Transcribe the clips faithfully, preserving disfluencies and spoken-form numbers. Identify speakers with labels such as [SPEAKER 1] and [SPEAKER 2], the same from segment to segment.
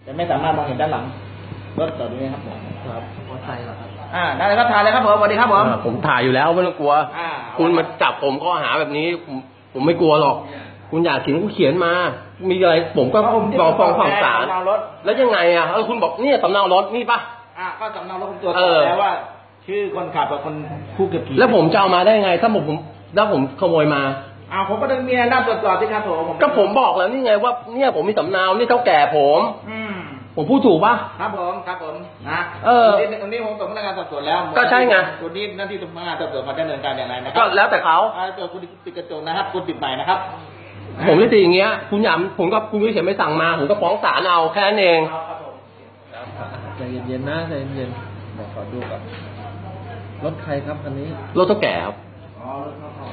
[SPEAKER 1] จะไม่สามารถมองเห็นด้านหลังรถต่อนี้ครับผมครับมอเตอร์ไซค์เหรอครับอ่าได้เลยครับถ่ายเลยครับผมสวัสดีครับผม
[SPEAKER 2] ผมถ่ายอยู่แล้วไม่ต้องกลัวคุณมาจับผมข้อหาแบบนี้ผมผมไม่กลัวหรอกคุณอยากเขียนคุณเขียนมามีอะไรผมก็รอฟังฝั่งศาลแล้วยังไงอ่ะเออคุณบอกเนี่ยสำเนารถนี่ป่ะ
[SPEAKER 1] อ่าก็สำเนารถคุณตรวจสอบแล้วว่าชื่อคนขับกับคนผู้ขับขี่
[SPEAKER 2] แล้วผมจะเอามาได้ไงถ้าผมผมแล้วผมขโมยมา
[SPEAKER 1] อ้าวผมก็ต้องมีหน้าตรวจสอบที่ครับผม
[SPEAKER 2] ก็ผมบอกแล้วนี่ไงว่าเนี่ยผมมีสำเนานี่เท่าแก่ผม
[SPEAKER 1] อืม
[SPEAKER 2] ผมพูดถูกป่ะ
[SPEAKER 1] ครับผมครับผมนะ
[SPEAKER 2] เออ
[SPEAKER 1] ตรงนี้ผมส่งพนักงานสอบสวนแล้ว
[SPEAKER 2] ก็ใช่ไง
[SPEAKER 1] ตัวนี้หน้าที่พนักงานสอบสวนมาดำเนินการอย่างไรนะครับ
[SPEAKER 2] ก็แล้วแต่เขา
[SPEAKER 1] อ่าตัวคุณติดกระจกนะครับคุณติดใหม่นะครับ
[SPEAKER 2] ผมไม่ติดอย่างเงี้ยคุณหยำผมก็คุณไม่เขียนไม่สั่งมาผมก็ฟ้องศาลเอาแค่นั้นเอง
[SPEAKER 3] ใจเย็นๆนะใจเย็นๆบอกขอดูก่อนรถใครครับอันนี้
[SPEAKER 2] รถเท่าแก่ครับ
[SPEAKER 1] อ๋อรถเท่าแก่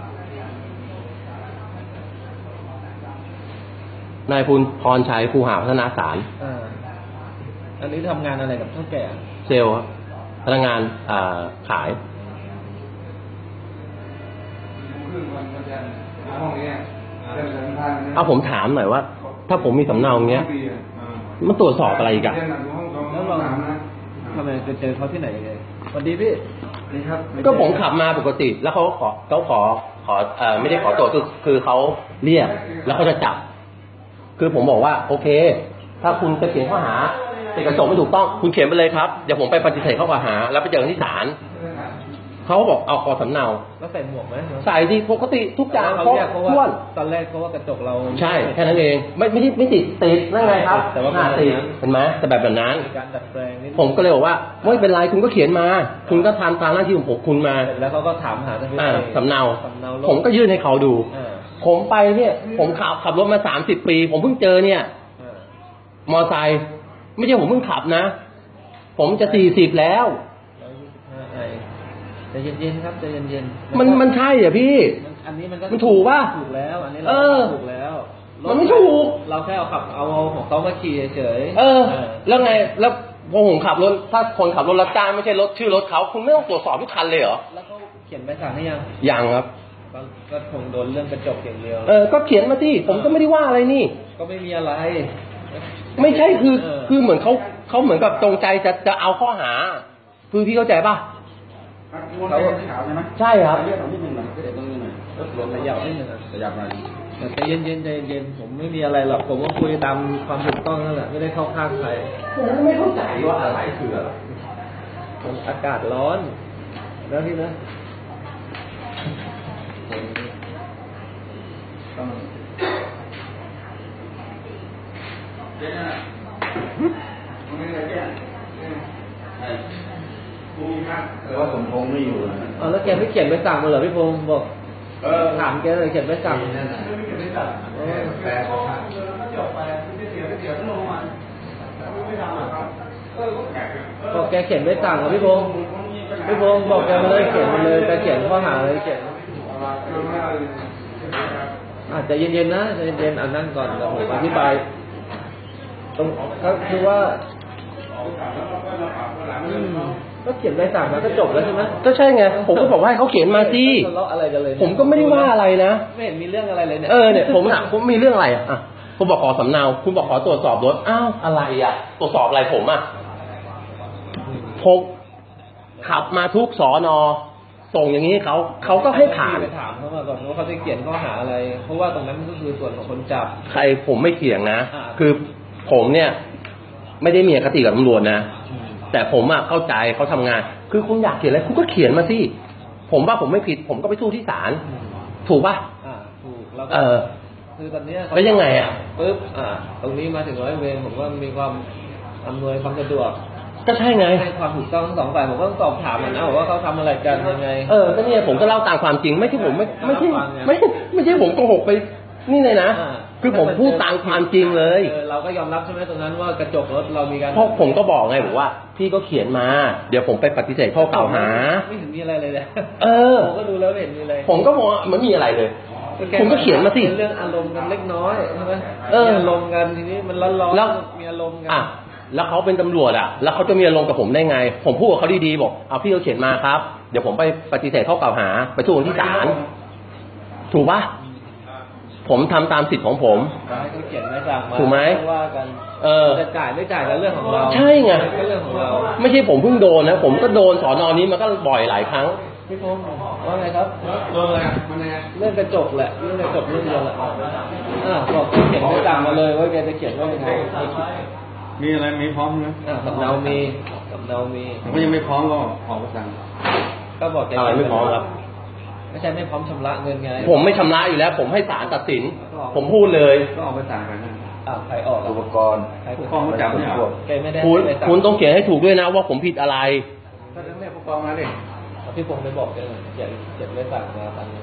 [SPEAKER 2] นายภูลพรชัยภูหาพัฒนาสาร
[SPEAKER 3] อ่าอันนี้ทำงานอะไรกับเท่าแก่
[SPEAKER 2] เซลล์ครับพนักงานอ่าขายเอาผมถามหน่อยว่าถ้าผมมีสำเนาอย่างเงี้ยมันตรวจสอบอะไรอีกอะ
[SPEAKER 3] แล้วเราทำไมจะเจอเขาที่ไหนเลยสวัสดีพี่
[SPEAKER 2] นี่ครับก็ผมขับมาปกติแล้วเขาขอเขาขอขอเอ่อไม่ได้ขอตรวจคือคือเขาเรียกแล้วเขาจะจับคือผมบอกว่าโอเคถ้าคุณจะเขียนข้อหาติดกระจกไม่ถูกต้องคุณเขียนไปเลยครับเดี๋ยวผมไปปฏิเสธข้อกล่าวหาแล้วไปเจอกันที่ศาลเขาบอกเอาขอสำเนา
[SPEAKER 3] แล้วใส่หมวกไหม
[SPEAKER 2] ใส่ดีปกติทุกอย่าง
[SPEAKER 3] เขาเรียกเขาว่าตอนแรกเขาว่ากระจกเรา
[SPEAKER 2] ใช่แค่นั้นเองไม่ไม่ไม่ติดติดนั่นไงครับ
[SPEAKER 3] แต่ว่า
[SPEAKER 2] ติดเห็นไหมแต่แบบแบบนั้น
[SPEAKER 3] การดัดแปลงนี่
[SPEAKER 2] ผมก็เลยบอกว่าไม่เป็นไรคุณก็เขียนมาคุณก็ทำตามหน้าที่ของผมคุณมา
[SPEAKER 3] แล้วเขาก็ถามหา
[SPEAKER 2] สำเนาผมก็ยื่นให้เขาดูผมไปเนี่ยผมขับขับรถมาสามสิบปีผมเพิ่งเจอเนี่ยมอไซค์ไม่ใช่ผมเพิ่งขับนะผมจะสี่สิบแล้ว
[SPEAKER 3] ใจเย็นๆครับใจเย็น
[SPEAKER 2] ๆมันมันใช่เหรอพี่
[SPEAKER 3] อันนี้มันก็
[SPEAKER 2] มันถูกป่ะ
[SPEAKER 3] ถูกแล้วอันนี้เราถูกแล้ว
[SPEAKER 2] มันไม่ถูก
[SPEAKER 3] เราแค่เอาขับเอาของเขามาขี่เฉย
[SPEAKER 2] เออแล้วไงแล้วพอผมขับรถถ้าคนขับรถรับจ้างไม่ใช่รถชื่อรถเขาคุณไม่ต้องตรวจสอบทุกคันเลยเหรอ
[SPEAKER 3] แล้วเขาเขียนใบสั่งให้ยัง
[SPEAKER 2] ยังครับ
[SPEAKER 3] ก็คงโดนเรื่องกระจกอย่างเดียว
[SPEAKER 2] เออก็เขียนมาที่ผมก็ไม่ได้ว่าอะไรนี่
[SPEAKER 3] ก็ไม่มีอะไร
[SPEAKER 2] ไม่ใช่คือคือเหมือนเขาเขาเหมือนกับจงใจจะจะเอาข้อหาคือพี่เข้าใจป่ะ
[SPEAKER 1] เขา
[SPEAKER 2] ใช่ครับ
[SPEAKER 1] เรียกของที่หนึ่งหน่อยเดี๋ยวตรงนี้หน่อยรถหลวงขยับนิดนึงขยับมา
[SPEAKER 3] ใจเย็นเย็นใจเย็นผมไม่มีอะไรหรอกผมก็คุยตามความถูกต้องนั่นแหละไม่ได้เข้าข้างใคร
[SPEAKER 2] ผมไม่เข้าใจว่าอะไรคืออะไร
[SPEAKER 3] อากาศร้อนแล้วที่นะ
[SPEAKER 1] ต้องเดี๋ยวนะตรงนี้เลยเนี่ยแต่ว่าสมพงษ์ไม่อยู่
[SPEAKER 3] อ๋อแล้วแกไม่เขียนใบสั่งมาเหรอพี่พงษ์บอก
[SPEAKER 1] เออ
[SPEAKER 3] ถามแกเลยเขียนใบสั่ง
[SPEAKER 1] ไม่เขียนใบสั่งแปลเขาจบไปไม่เสียไม่เสียต้องลงมาไม่ทำครับ
[SPEAKER 3] บอกแกเขียนใบสั่งกับพี่พงษ์พี่พงษ์บอกแกมาเลยเขียนมาเลยแกเขียนข้อหาเลยเขียนอาจจะเย็นๆนะใจเย็นๆอ่านนั่งก่อนเดี๋ยวผมอธิบายตรงก็คือว่าก็เขียนใบสั่งมาก็จบแล้วใช่ไหม
[SPEAKER 2] ก็ใช่ไงผมก็บอกว่าให้เขาเขียนมาสิ
[SPEAKER 3] ทะเลาะอะไรกันเลย
[SPEAKER 2] ผมก็ไม่ได้ว่าอะไรนะ
[SPEAKER 3] ไม่เห็นมีเรื่องอะไรเลยเนี่ย
[SPEAKER 2] เออเนี่ยผมถามผมมีเรื่องอะไรอ่ะผมบอกขอสำเนาคุณบอกขอตรวจสอบรถอ้าวอะไรอ่ะตรวจสอบอะไรผมอ่ะผมขับมาทุกสอนอส่งอย่างนี้เขาเขาก็ให้ผ่าน
[SPEAKER 3] ไปถามเขามาก่อนว่าเขาจะเขียนข้อหาอะไรเพราะว่าตรงนั้นก็คือส่วนของคนจับ
[SPEAKER 2] ใครผมไม่เถียงนะคือผมเนี่ยไม่ได้มีอคติกับตำรวจนะแต่ผมอ่ะเข้าใจเขาทำงานคือคุณอยากเขียนอะไรคุณก็เขียนมาสิผมว่าผมไม่ผิดผมก็ไปสู้ที่ศาลถูกป่ะ
[SPEAKER 3] อ่าถูกแล้ว
[SPEAKER 2] เออ
[SPEAKER 3] คือตอนนี้
[SPEAKER 2] แล้วยังไงอ่ะ
[SPEAKER 3] ปึ๊บอ่าตรงนี้มาถึงร้อยเวรผมว่ามีความอำนวยความสะดวก
[SPEAKER 2] ก็ใช่ไง
[SPEAKER 3] ให้ความถูกต้องทั้งสองฝ่ายผมก็ต้องสอบถามมันนะว่าเขาทำอะไรกันยังไง
[SPEAKER 2] เออก็เนี่ยผมก็เล่าตามความจริงไม่ใช่ผมไม่ไม่ใช่ไม่ไม่ใช่ผมโกหกไปนี่เลยนะคือผมพูดตามความจริงเลย
[SPEAKER 3] เราก็ยอมรับใช่ไหมตรงนั้นว่ากระจกรถเรามีการ
[SPEAKER 2] เพราะผมก็บอกไงบอกว่าพี่ก็เขียนมาเดี๋ยวผมไปปฏิเสธข้อกล่าวหา
[SPEAKER 3] ไม่เห็นมีอะไรเลยเลย
[SPEAKER 2] เออ
[SPEAKER 3] ผมก็ดูแล้วไม่เห็นมีอะไร
[SPEAKER 2] ผมก็มองมันมีอะไรเลยผมก็เขียนมาสิ
[SPEAKER 3] เรื่องอารมณ์กันเล็กน้อยใช่ไหมเอออารมณ์กันทีนี้มันร้อนๆแล้วมีอารมณ์กัน
[SPEAKER 2] อ่ะแล้วเขาเป็นตำรวจอ่ะแล้วเขาจะมีอารมณ์กับผมได้ไงผมพูดกับเขาดีๆบอกเอาพี่เขาเขียนมาครับเดี๋ยวผมไปปฏิเสธข้อกล่าวหาไปสู้ที่ศาลถูกปะผผมทำตามสิทธิ์ของผม
[SPEAKER 3] ให้เขาเขียนใบสั่งมา
[SPEAKER 2] ถูกไหม
[SPEAKER 3] ว่ากัน
[SPEAKER 2] เออ
[SPEAKER 3] จะจ่ายไม่จ่ายก็เรื่องของเรา
[SPEAKER 2] ใช่ไง
[SPEAKER 3] ก็เรื่องของเรา
[SPEAKER 2] ไม่ใช่ผมเพิ่งโดนนะผมก็โดนสอนอนี้มาก็บ่อยหลายครั้ง
[SPEAKER 3] พี่พงศ์ว่าไงครับ
[SPEAKER 1] โดนอะไรมันไง
[SPEAKER 3] เรื่องกระจกแหละเรื่องกระจกเรื่องเดียวแหละอ่าบอกเขียนใบสั่งมาเลยว่าแกจะเขียนว่ายังไง
[SPEAKER 1] มีอะไรมีพร้อมไหม
[SPEAKER 3] อ่าสำเนามีสำเนามี
[SPEAKER 1] ผมก็ยังไม่พร้อมก็ออกมาสั่ง
[SPEAKER 3] ก็บอกแก
[SPEAKER 2] อะไรไม่พร้อมครับ
[SPEAKER 3] ไม่ใช่ไม่พร้อมชำระเงินไง
[SPEAKER 2] ผมไม่ชำระอยู่แล้ว ผมให้ศาลตัดสิน ผมพูดเลย
[SPEAKER 1] ก็ออกมาสั่งไปนะ
[SPEAKER 3] อ่าใครออก
[SPEAKER 4] อุป
[SPEAKER 3] อ่ะ
[SPEAKER 4] กรณ์
[SPEAKER 3] ใคร
[SPEAKER 1] ผู้กองเขาจับเนี่ยเหรอ
[SPEAKER 3] แกไม่ได้
[SPEAKER 2] คุณ
[SPEAKER 3] ไปสั่ง
[SPEAKER 2] คุณต้องเขียนให้ถูกด้วยนะว่าผมผิดอะไร
[SPEAKER 1] ก็ต้องเรียกผู้กองมาดิ
[SPEAKER 3] พี่พงศ์ไปบอกแกหน่อยเขียนเขียนใบสั่งมาตามนี้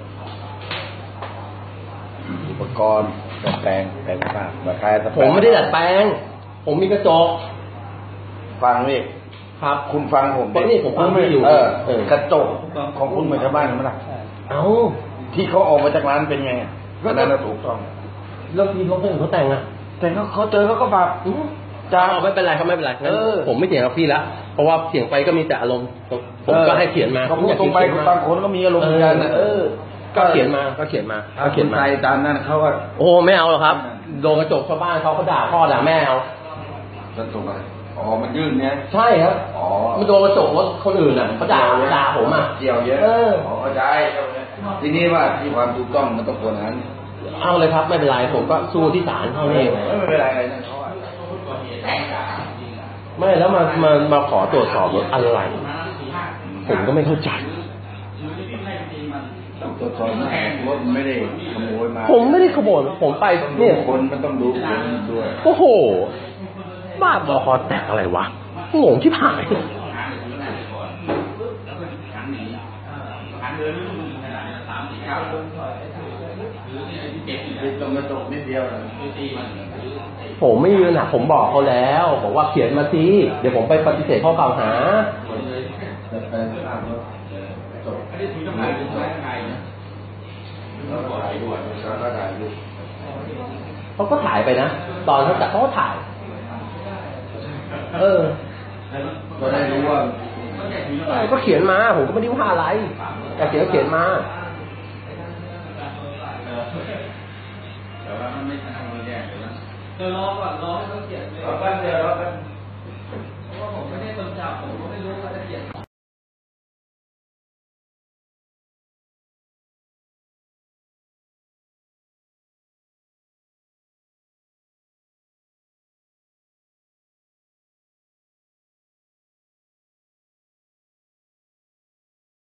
[SPEAKER 4] อุปกรณ์ดัดแปลงแปลงภาพมาคลายส
[SPEAKER 2] ผมไม่ได้ดัดแปลง ผมมีกระจก
[SPEAKER 4] ฟังนี่
[SPEAKER 2] ครับ
[SPEAKER 4] คุณฟังผม
[SPEAKER 2] เพราะนี่ผมฟังไม่อยู่
[SPEAKER 4] เออ
[SPEAKER 2] เออ
[SPEAKER 4] กระจกของคุณเหมือนชาวบ้านไหมล่ะ
[SPEAKER 3] ใช่
[SPEAKER 2] เอ้า
[SPEAKER 4] ที่เขาออกมาจากร้านเป็นไงก็นั่นน่ะถูกต้อง
[SPEAKER 2] แล้วทีเขาเพิ่งเขาแต่งอะ
[SPEAKER 4] แต่เขาเขาเจอเขาก็ปรับ
[SPEAKER 2] อืม
[SPEAKER 4] จ้า
[SPEAKER 2] เอาไม่เป็นไรครับไม่เป็นไรงั้น
[SPEAKER 4] เออ
[SPEAKER 2] ผมไม่เถียงกับพี่แล้วเพราะว่าเถียงไปก็มีแต่อารมณ์ผมก็ให้เขียนมา
[SPEAKER 4] เขาพูดตรงไป
[SPEAKER 2] ผมอยาก
[SPEAKER 4] บางคนก็มีอารมณ์เหมือนกันนะเออ
[SPEAKER 2] ก็เขียนมาก็เขียนมา
[SPEAKER 4] ถ้า
[SPEAKER 2] ก็
[SPEAKER 4] คุ
[SPEAKER 2] เขีย
[SPEAKER 4] ณ
[SPEAKER 2] นมา
[SPEAKER 4] ใจตามนั้นเขาก็
[SPEAKER 2] โอ้ไม่เอาหรอกครับโดนกระจกชาวบ้านเขาเขาด่าพ่อด่าแม่เอา
[SPEAKER 4] กระจกอะไรอ๋อมันยื่นเนี่ย
[SPEAKER 2] ใช่ครับ
[SPEAKER 4] อ๋อ
[SPEAKER 2] มันโดนกระจกรถคนอื่นอ่ะเขาด่าด่าผมอ่ะ
[SPEAKER 4] เกี่ยวเยอะ
[SPEAKER 2] เออ
[SPEAKER 4] อ๋อเข้าใจทีนี้ว่าที่ความถูกต้องมันต้องควรนั้น
[SPEAKER 2] เอาเลยครับไม่เป็นไรผมก็สู้ที่ศาลเท่านี้เอง
[SPEAKER 4] ไม่เป็นไรอะไรนั่นเขาอะ
[SPEAKER 2] ไม่แล้วมามามาขอตรวจสอบรถอะไร ผมก็ไม่เข้าใจ
[SPEAKER 4] ตรวจสอบนะรถไม่ได้ขโมยมา
[SPEAKER 2] ผมไม่ได้ขโมยผมไปเนี่ย
[SPEAKER 4] คนมันต้องดูคนด้วย
[SPEAKER 2] โอ้โหบ้าบอคอแตกอะไรวะงงที่ผาย
[SPEAKER 4] ติดตรงกระจกนิดเดียวนะ
[SPEAKER 2] ผมไม่ยืนนะผมบอกเขาแล้วบอกว่าเขียนมาสิเดี๋ยวผมไปปฏิเสธข้อกล่าวหา
[SPEAKER 4] แต่แปลงภาพรถกระจกไม่ได้ถือน้ำหนักเป็นไงนะแล้วก็ถ่ายด้วยแล้วก็ถ่ายรูป
[SPEAKER 2] เขาก็ถ่ายไปนะตอนเขาจับเขาก็ถ่าย เออ
[SPEAKER 4] ก็ได้รู้ว่า
[SPEAKER 2] เออก็เขียนมาผมก็ไม่ได้ว่าอะไรแต่เขียนก็เขียนมา
[SPEAKER 4] แต่ว่ามันไม่ใช่ทำแย่เลยนะ
[SPEAKER 3] เดี๋ยวรอก่อนรอให้เขาเขียนเลย
[SPEAKER 4] เราก็เจอเราก็
[SPEAKER 3] เพราะว่าผมไม่ได้คนจับผมก็ไม่